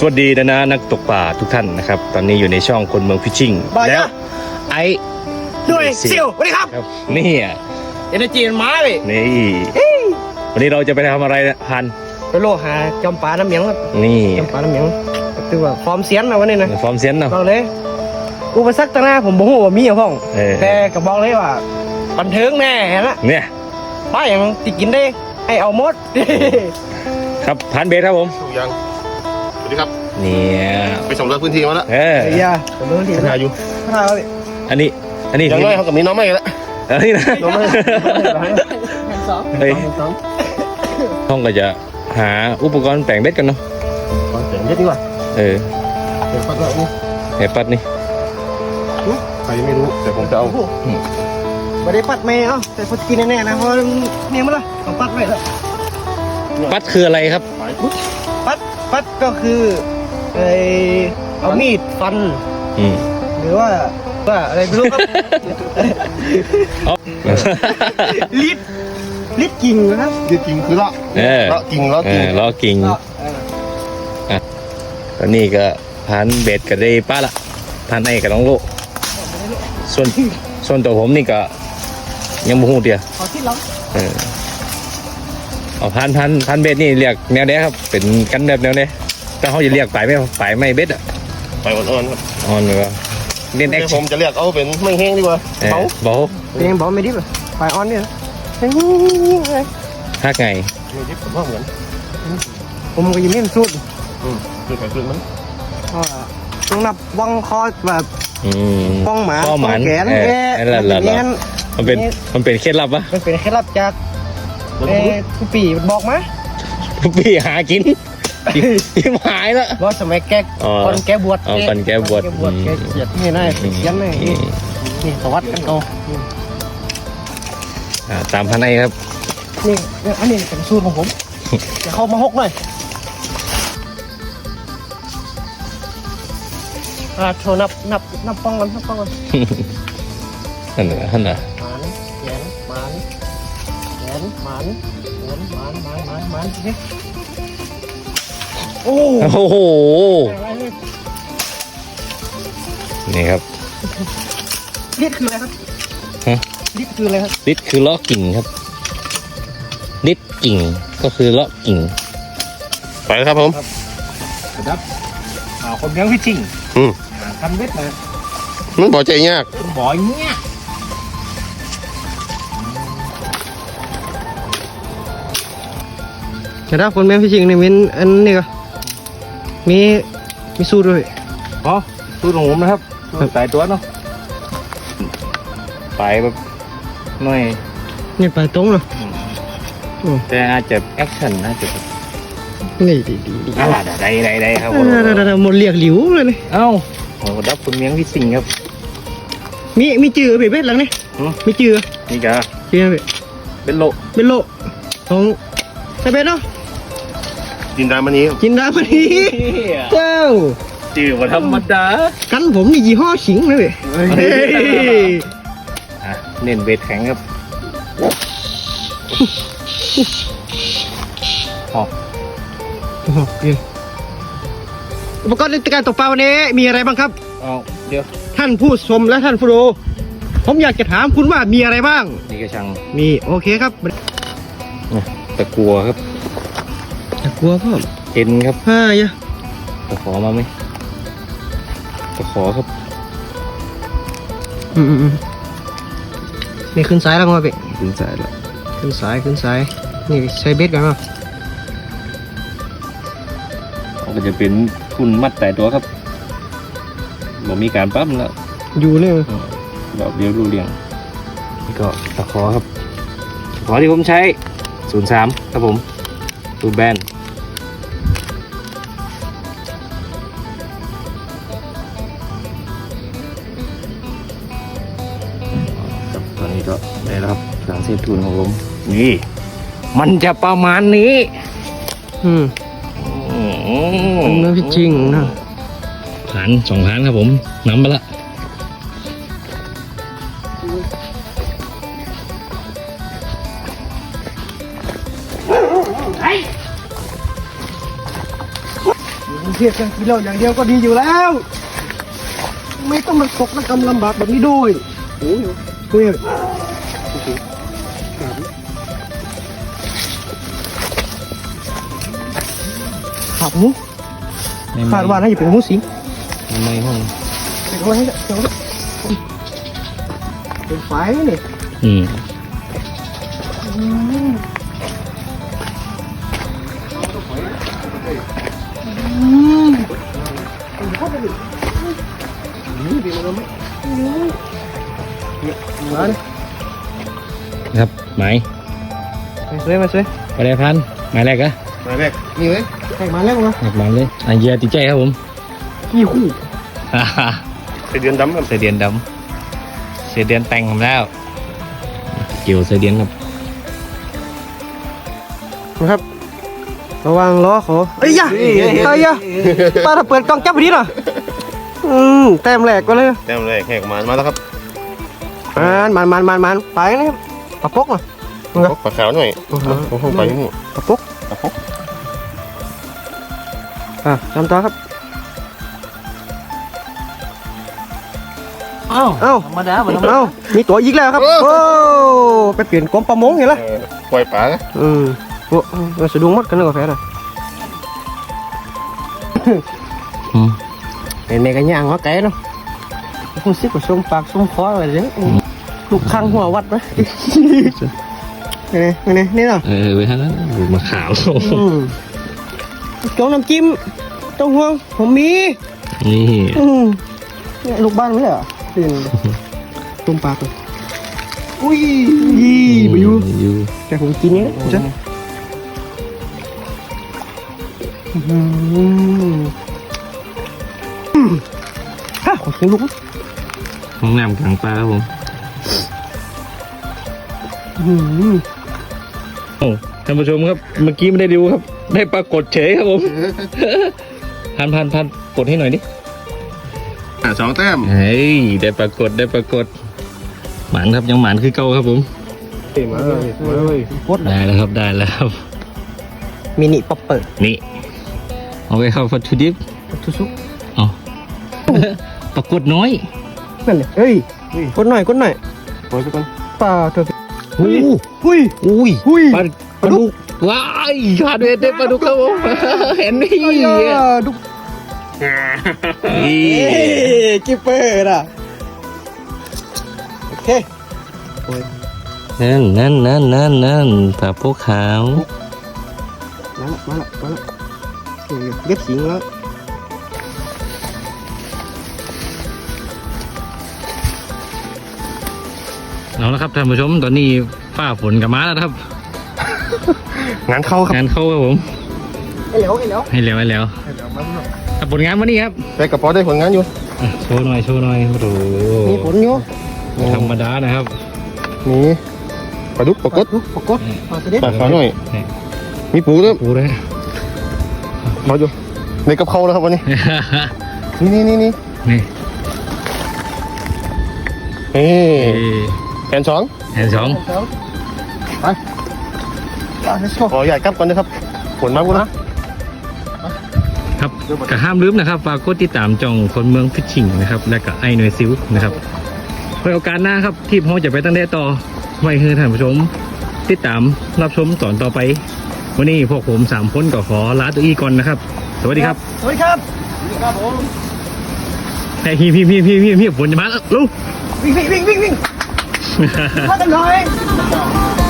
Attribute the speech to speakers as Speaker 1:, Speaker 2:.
Speaker 1: วัสดีนะนักตกป่าทุกท่านนะครับตอนนี้อยู่ในช่องคนเมืองฟิชชิ่งแล้วไอ้
Speaker 2: ด้วยเซียวสวัสดีครับ
Speaker 1: นี่
Speaker 2: เอเนจีนมาเลย
Speaker 1: นี่วันนี้เราจะไปทำอะไรนะพัน
Speaker 2: ไปโลหาจอมปลาน้ำเหมียงครับ
Speaker 1: นี่
Speaker 2: จอมปลาน้ำเหมียงคือว่าฟอร์มเสียนนะวันนี้นะ
Speaker 1: ฟอร์มเสียนเนาะ
Speaker 2: บอกเลยอุปสรรคต่างหน้าผมบอกว่ามีอย่างพ้องแต่ก็บอกเลยว่าบันเทิงแน่นะ
Speaker 1: เนี่ย
Speaker 2: ป้าอย่างติกินได้ให้เอาหมด
Speaker 1: ครับพันเบสครับผม
Speaker 3: ยังสวัสดีครับ
Speaker 1: เนี่ย
Speaker 3: ไปสำรวจพื้นที่มาแล้ว
Speaker 2: อย่าผมรู้ที่
Speaker 3: ถ่ายอยู่
Speaker 2: ถ่ายเลย
Speaker 1: อันนี้
Speaker 3: อย่างน้อยเขากับมีน้องไม่แล้ว
Speaker 1: อันนี้นะ
Speaker 2: น้องไม่
Speaker 1: เฮ้ยห้องก็จะหาอุปกรณ์แปลงเบ็ดกันเนาะ
Speaker 3: เสียงเยอะดีกว่า
Speaker 1: เ
Speaker 3: ดี๋ยวปัดเลยนี่
Speaker 1: เห็ดปัดนี่
Speaker 3: ใครไม่รู้แต่ผมจะเอา
Speaker 2: ไม่ได้ปัดไม่เอาแต่พอกินแน่ๆนะเพราะเนี่ยมันละต้องปัดไว้แล้ว
Speaker 1: ปัดคืออะไรครับ
Speaker 2: ปัดก็คือเอามีดฟันหรือว่าอะไรไม่รู้ครับลิดกิ่งนะครับ
Speaker 3: ลิดกิ่งคือเลาะกิ่ง
Speaker 1: ตอนนี้ก็พันเบ็ดก็ได้ป้าละพันไอ้กับน้องโลส่วนตัวผมนี่ก็ยังบ่ฮู้เดียว
Speaker 2: เอาที่ล็อก
Speaker 1: เอาพันเบ็ดนี่เรียกแนวเนี้ยครับเป็นกันแบบแนวเนี้ยแต่เขาจะเรียกไปไม่เบ็ดอ่ะ
Speaker 3: ไปอ่อนๆครับ
Speaker 1: อ่อนเลยว่าเล่นแอค
Speaker 3: ผมจะเรียกเอาเป็นไม่แห้งดีกว่า
Speaker 1: เบา
Speaker 2: เป็นเบาไม่ดิบไปอ่อนเนี่ย
Speaker 1: ฮักไง
Speaker 3: ไม่ดิบผมว่าเหมือน
Speaker 2: ผมก็ยังไม่สุด
Speaker 3: คือไปคือมัน
Speaker 2: ต้องนับวังคอแบบป้องหมา
Speaker 1: ป้อง
Speaker 2: แขน
Speaker 1: มันเป็นเคล็ดลับปะ
Speaker 2: มันเป็นเคล็ดลับจากผู้ปีบอกมา
Speaker 1: ผู้ปีหากินที่หายแล้ว
Speaker 2: ว่าสมัยแกก่อนแกบวช
Speaker 1: ก่อนแกบวช
Speaker 2: แกเสียดนี่นายเสียนนี่สวัสดิ์กันเอา
Speaker 1: ตามพันไอครับ
Speaker 2: นี่อันนี้เป็นสูตรของผมจะเข้ามาหกหน่อยโชว์นับป้องกันนั่น
Speaker 1: น่ะ
Speaker 2: หมานโอ้
Speaker 1: โหนี่ครับ
Speaker 2: ลิดคืออะไรครับลิดคืออะไรครับ
Speaker 1: ลิดคือเลาะกิ่งครับลิดกิ่งก็คือเลาะกิ่ง
Speaker 3: ไปแล้วครับผม
Speaker 2: ครับคนเลี้ยงฟิชชิ่งทำเบ็ดนะ
Speaker 3: มันบ่อใจยาก
Speaker 2: บ่อยเงี้ยแต่ถ้าคนเลี้ยงฟิชชิ่งนี่มีอันนี้ก็มีสูตรด้วย
Speaker 1: สูตรของผมนะครับสายตัวเนาะไปแบบหน่อย
Speaker 2: นี่ไปตรงเหรอ
Speaker 1: แต่อาจจะแอคชั่นน่าจะ
Speaker 2: นี่ดี
Speaker 1: ได้ครับ
Speaker 2: หมดเรียกหลิวเลยนี่
Speaker 1: เอ้าโอ้ดับคุณเมียงที่สิงครับ
Speaker 2: มีจือเบ็ดหลังนี่มีจือ
Speaker 1: นี่กะ
Speaker 2: จือ
Speaker 1: เป็นโล
Speaker 2: ของใส่เบ็ดเนาะ
Speaker 3: จินดามันนี้
Speaker 2: เจ้า
Speaker 1: จือว่าธรรมดา
Speaker 2: กันผมนี่ยี่ห้อขิงเลย
Speaker 1: เน้นเบ็ดแข็งครับ
Speaker 2: อุปกรณ์ในการตกปลาวันนี้มีอะไรบ้างครับ
Speaker 1: เดี๋ยว
Speaker 2: ท่านผู้ชมและท่านผู้ดูผมอยากจะถามคุณว่ามีอะไรบ้าง
Speaker 1: นี่กระชัง
Speaker 2: มีโอเคครับ
Speaker 1: ตะกัวครับ
Speaker 2: ตะกัวก็
Speaker 1: เห็นครับ
Speaker 2: ยะ
Speaker 1: ตะขอมาไหมตะขอครับ
Speaker 2: นี่ขึ้นสายแล้วมั้งพี่
Speaker 1: ขึ้นสายแล้ว
Speaker 2: ขึ้นสายนี่ใช้เบ็ดกันมั้ง
Speaker 1: ก็จะเป็นทุนมัดแต่ตัวครับบอกมีการปั๊มแล้ว
Speaker 2: อยู่เลย
Speaker 1: แบบเดียวรู้เรียงนี่ก็ตะขอครับตะขอที่ผมใช้03ครับผมตูแบนตอนนี้ก็ได้แล้วครับการเซฟทุนของผมนี่มันจะประมาณนี้
Speaker 2: เนื้อพิชิงนะ
Speaker 1: 2 พันครับผมน้ำไปละ
Speaker 2: พยดกันกินเหล้าอย่างเดียวก็ดีอยู่แล้ว ไม่ต้องมาตกระกำลำบากแบบนี้ด้วยโอ้ยเฮ้ยขาดหมูขาดว่าน่าจะเป็นหมูสิง
Speaker 1: ในห้อง
Speaker 2: เป็นไว้ให้เดี๋ยวเป็นไฟเนี่ย
Speaker 1: อืม
Speaker 2: มาเลย
Speaker 1: ครับหมาย
Speaker 2: มาช่วยมาช่วย
Speaker 1: ไปเลยพันหมายแรกอะ
Speaker 3: มาแรกนี่เลย
Speaker 2: ให้มาแล้วมา
Speaker 1: หมายเลยอันเยียติดใจครับผม
Speaker 2: ขี้คู่
Speaker 3: ไปเดือนดำครับ
Speaker 1: เสียเดียนดำเสียเดียนแต่งผมแล้ว เกี่ยวเสียเดียนครับ
Speaker 2: นะครับระวังล้อเขาเอ้ยยะไอ้ยะป้าถ้าเปิดกล้องจับไปดิหน่อยแต้มแหลกก็เลย
Speaker 3: แต้มแรกแหกมาแล้วครับ
Speaker 2: มันไปนะครับปะปกอ่ะ
Speaker 3: ปลาขาวหน่อยผมไปนี่
Speaker 2: ปะปก
Speaker 3: ปลาพก
Speaker 2: ทำต่อครับ
Speaker 1: อ้าว
Speaker 2: เอ้า
Speaker 1: ธรรมดาเหมือน
Speaker 2: เอ้ามีตัวอีกแล้วครับโอ้ไปเปลี่ยนกรมประมงเห็นไหม
Speaker 3: ปล่อยปลา
Speaker 2: โอ้เราสะดุ้งมัดกันเลยกาแฟน่ะเห็นแม่กันย่างหัวไก่เนาะคุณซิกว่าส้มปากส้มคออะไรเนี่ยลูกคังหัววัดไหมนี่เนาะ
Speaker 1: ไปทางนั้นมาขาว
Speaker 2: โจ๊กน้ำจิ้มเต้าหู้ผมมี
Speaker 1: นี่
Speaker 2: เนี่ยลูกบ้านไม่เหรอตื่นต้มปลาเลยอุ้ยไปอยู่
Speaker 1: อยู่
Speaker 2: แต่ผมกินเนี่ยจ้ะฮะขอกินลูก
Speaker 1: ห้องน้ำกลางปลาครับผมโอ้ท่านผู้ชมครับเมื่อกี้ไม่ได้ดูครับ ได้ปรากฏเฉยครับผมพันกดให้หน่อยดิ
Speaker 3: 2 แต้ม
Speaker 1: เฮ้ยได้ปรากฏหมานครับยังหมานคือเก่าครับผม
Speaker 3: มาเลย
Speaker 2: โคตร
Speaker 1: ได้แล้วครับได้แล้วครับ
Speaker 2: มินิป๊อปเปอร์
Speaker 1: นี่เอาไปเข้าฟัตถุดิบ
Speaker 2: ทุสุก
Speaker 1: เอาปรากฏน้อย
Speaker 2: นั่นเลยเฮ้ยกดหน่อย
Speaker 3: ปล่อยไปก่อน
Speaker 2: ปลาเธอ
Speaker 1: อุ้ย
Speaker 2: อุ้ย
Speaker 1: อุ้ยปลาดุกว้ายขาดเวทได้ปลาดุกครับผมเห็นนี่
Speaker 2: ดุ
Speaker 1: นี่
Speaker 2: กิปเปอร์อ่ะโอเค
Speaker 1: นั่นปลาพวกขาว
Speaker 2: มาละเย็บสิงแล้ว
Speaker 1: เอาละครับท่านผู้ชมตอนนี้ฝ้าฝนกับมาแล้วครับ
Speaker 3: งานเข้าครับ
Speaker 1: งานเข้าครับผม
Speaker 2: ให้แล้ว
Speaker 1: ให้แล้วครับผลงานวันนี้ครับ
Speaker 3: ไปกระป๋อได้ผลงานอยู่
Speaker 1: อ่ะโชว์หน่อยโอ้โห
Speaker 2: มีผลอยู่
Speaker 1: ไม่ธรรมดานะครับ
Speaker 3: มีปลาดุกปลากด
Speaker 2: ปกดปลาเสด็จ
Speaker 3: ปลาขาวหน่อย
Speaker 1: นี่
Speaker 3: มีปูด้วย
Speaker 1: ปูเลย
Speaker 3: มาอยู่ในกับเขาแล้วครับวันนี้นี่
Speaker 1: นี่
Speaker 3: นี่แขนช้อง
Speaker 1: แอนสอง
Speaker 2: ไปlet's go
Speaker 3: ขอใหญ่กลับก่อนนะครับผลมากกูนะ
Speaker 1: ครับก็ห้ามลืมนะครับฝากกดติดตามจองคนเมืองฟิชชิงนะครับและก็ไอหน่วยซิลนะครับไว้โอกาสหน้าครับที่พ่อจะไปตั้งแต่ต่อไว้ให้ท่านผู้ชมติดตามรับชมตอนต่อไป วันนี้พวกผม3 คนก็ขอลาตัวอีก่อนนะครับ สวัสดีครับ
Speaker 2: สวัสดีครับผม
Speaker 1: ไอ้พี่ฝนจะมาแล้วลูก
Speaker 2: วิ่งมากันหน่อย